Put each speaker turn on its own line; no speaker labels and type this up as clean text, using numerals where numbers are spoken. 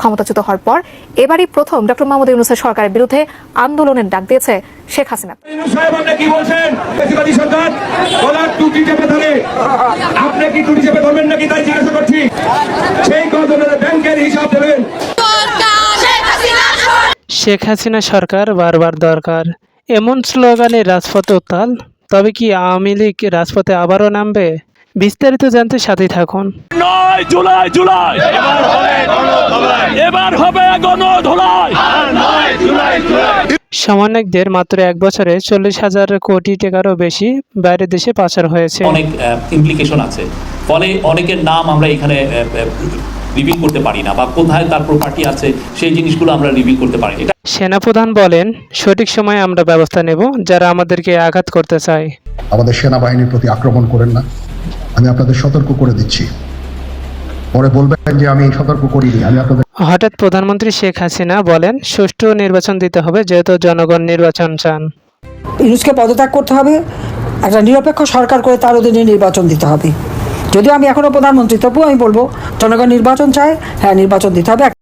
ক্ষমতাচ্যুত হওয়ার পর এবারই প্রথম ডক্টর মোহাম্মদ ইউনূসের সরকারের বিরুদ্ধে আন্দোলনের ডাক দিয়েছে শেখ হাসিনা।
কি বলছেন বেশিবাদী সরকার গলার টুটি চেপে ধরে আপনি কি টুটি চেপে ধরবেন নাকি তাই জিজ্ঞাসা করছি। সেই কজনের ব্যাংকের হিসাব দেবেন।
শেখ হাসিনা সরকার বারবার দরকার, এমন স্লোগানে রাজপথে উত্তাল। তবে কি আওয়ামী লীগ রাজপথে আবারও নামবে? বিস্তারিত জানতে সাথেই থাকুন।
9 জুলাই জুলাই এবার হবে গণধোলাই।
সমন্বয়কদের মাত্র এক বছরে 40,000 কোটি টাকারও বেশি বাইরের দেশে পাচার হয়েছে।
অনেক ইমপ্লিকেশন আছে, ফলে অনেকের নাম আমরা এখানে রিভিল করতে পারি না, বা কোথায় তার প্রপার্টি আছে সেই জিনিসগুলো আমরা রিভিল করতে পারি না।
সেনাপ্রধান বলেন, সঠিক সময়ে আমরা ব্যবস্থা নেব যারা আমাদেরকে আঘাত করতে চায়।
আমাদের সেনাবাহিনীর প্রতি আক্রমণ করেন না, আমি আপনাদের সতর্ক করে দিচ্ছি। পরে বলবেন যে আমি সতর্ক করিনি। আমি আপনাদের
হঠাৎ প্রধানমন্ত্রী শেখ হাসিনা বলেন, সুষ্ঠু নির্বাচন দিতে হবে, যেহেতু জনগণ নির্বাচন চান।
ইউনূসকে পদত্যাগ করতে হবে, একটা নিরপেক্ষ সরকার করে তার অধীনে নির্বাচন দিতে হবে। যদিও আমি এখনও প্রধানমন্ত্রী, তবুও আমি বলবো জনগণ নির্বাচন চায়, হ্যাঁ নির্বাচন দিতে হবে।